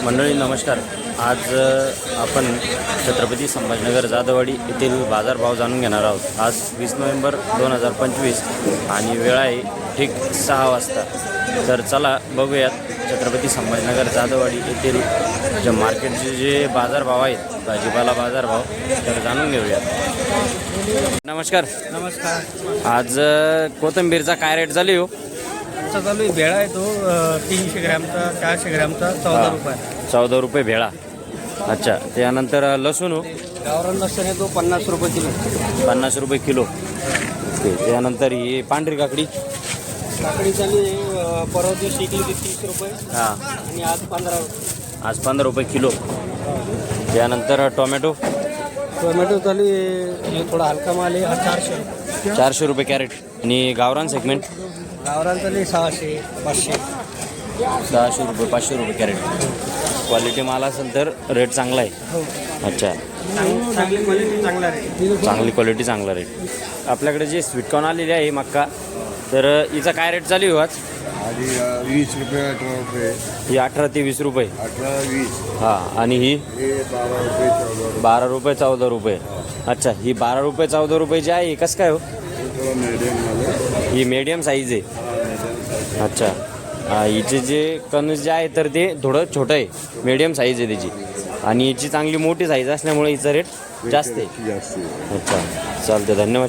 मंडळी नमस्कार. आज आपण छत्रपती संभाजीनगर जाधववाडी येथील बाजारभाव जाणून घेणार आहोत. आज 20 नोव्हेंबर 2025 आणि वेळ आहे ठीक 6 वाजता. तर चला बघूयात छत्रपती संभाजीनगर जाधववाडी येथील जे मार्केटचे जे बाजारभाव आहेत, भाजीपाला बाजारभाव, तर जाणून घेऊयात. नमस्कार. नमस्कार. आज कोथिंबीरचा काय रेट झाली हो? चालू आहे भेळा आहे तो 300 ग्रॅमचा 400 ग्रॅमचा 14 रुपये. 14 रुपये भेळा. अच्छा. त्यानंतर लसूण हो? गावरान लसूण आहे तो 50 रुपये किलो. 50 रुपये किलो. ओके. त्यानंतर ही पांढरी काकडी काकडी चालू आहे परवा दिवशी शिकली ती 30 रुपये हां, आणि आज 15 रुपये. आज 15 रुपये किलो. त्यानंतर टोमॅटो टोमॅटो चालू आहे थोडा हलका माल आहे 400 रुपये. 400 रुपये कॅरेट. आणि गावरान सेगमेंट गावरान चालू आहे 600 500. 600 रुपये 500 रुपये कॅरेट. क्वालिटी माल असेल तर रेट चांगला आहे. हो, अच्छा. चांगली क्वालिटी चांगला आहे. चांगली क्वालिटी चांगला रेट. आपल्याकडे जे स्वीटकॉर्न आलेली आहे मक्का, तर हिचा काय रेट चालू आहे आज? आधी 20 रुपये 18 रुपये. ही 18 ते 20 रुपये. 18 20 हां. आणि ही हे 12 रुपये 14 रुपये. 12 रुपये 14 रुपये. अच्छा. ही 12 रुपये 14 रुपये जी आहे, कसं काय हो? थोडं मीडियममध्ये. ही मीडियम साईज आहे. अच्छा. हिचे जे कणस जे आहे तर ते थोडं छोटं आहे, मीडियम साईज आहे त्याची. आणि हिची चांगली मोठी साईज असल्यामुळे हिचा रेट जास्त आहे. जास्त आहे. अच्छा. चालते. धन्यवाद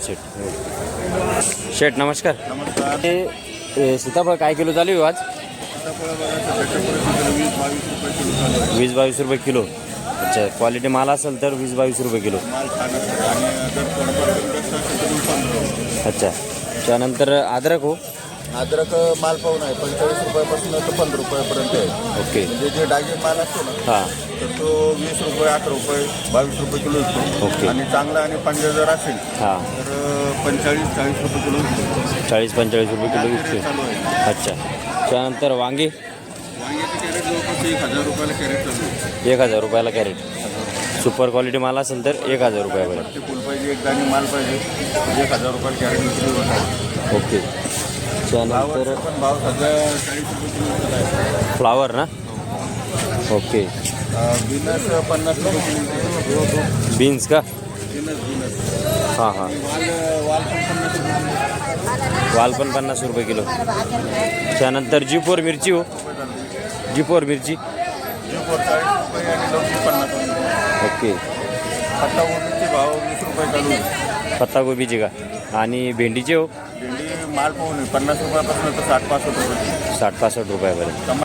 शेठ. शेठ नमस्कार. नमस्कार. हे सीताफळ काय किलो चालू आहे आज? सीताफळं बघा, 20-22 रुपये किलो चालू आहे. 20-22 रुपये किलो. अच्छा. क्वालिटी माल असेल तर 20-22 रुपये किलो. माल छान असतो आणि जर थोडंफार जास्त असेल तर 15 रुपये. अच्छा. त्यानंतर अद्रक हो? अद्रक माल पाहून आहे 45 रुपयापासून तर 15 रुपयापर्यंत आहे. ओके. म्हणजे जे डायजेस्ट माल असतो ना, हां. तर तो 20 रुपये 8 रुपये 22 रुपये किलो असतो. ओके. आणि चांगला आणि पंजा जर असेल हां. तर 45-40 रुपये किलो असतो. 40-45 रुपये किलो रेट विकते. चालू आहे. अच्छा. त्यानंतर वांगे वांग्याचं कॅरेट जवळपास 1000 रुपयाला कॅरेट चालू आहे. 1000 रुपयाला कॅरेट. सुपर क्वालिटी माल असेल तर 1000 रुपयापर्यंत. ते फुल पाहिजे, एक दाणी माल पाहिजे, 1000 रुपयाला कॅरेट विक्री होत आहे. ओके. त्यानंतर फ्लावरचा पण भाव सध्या 40 रुपये किलो चालू आहे. फ्लावर ना? ओके. बिनस 50 रुपये किलो. बीन्स का? बिनस हां हां. वाल पण 50 रुपये किलो. वाल पण 50 रुपये किलो. त्यानंतर जी4 मिरची हो? जी4 मिरची जी4 40 रुपये आणि लवची 50 रुपये. ओके. पत्ता गोबीचे भाव 20 रुपये चालू आहे. पत्तागोबीची का? आणि भेंडीचे हो? भेंडी माल पाहून 50 रुपयापासून तर 60-65 रुपये. 60-65 रुपयापर्यंत.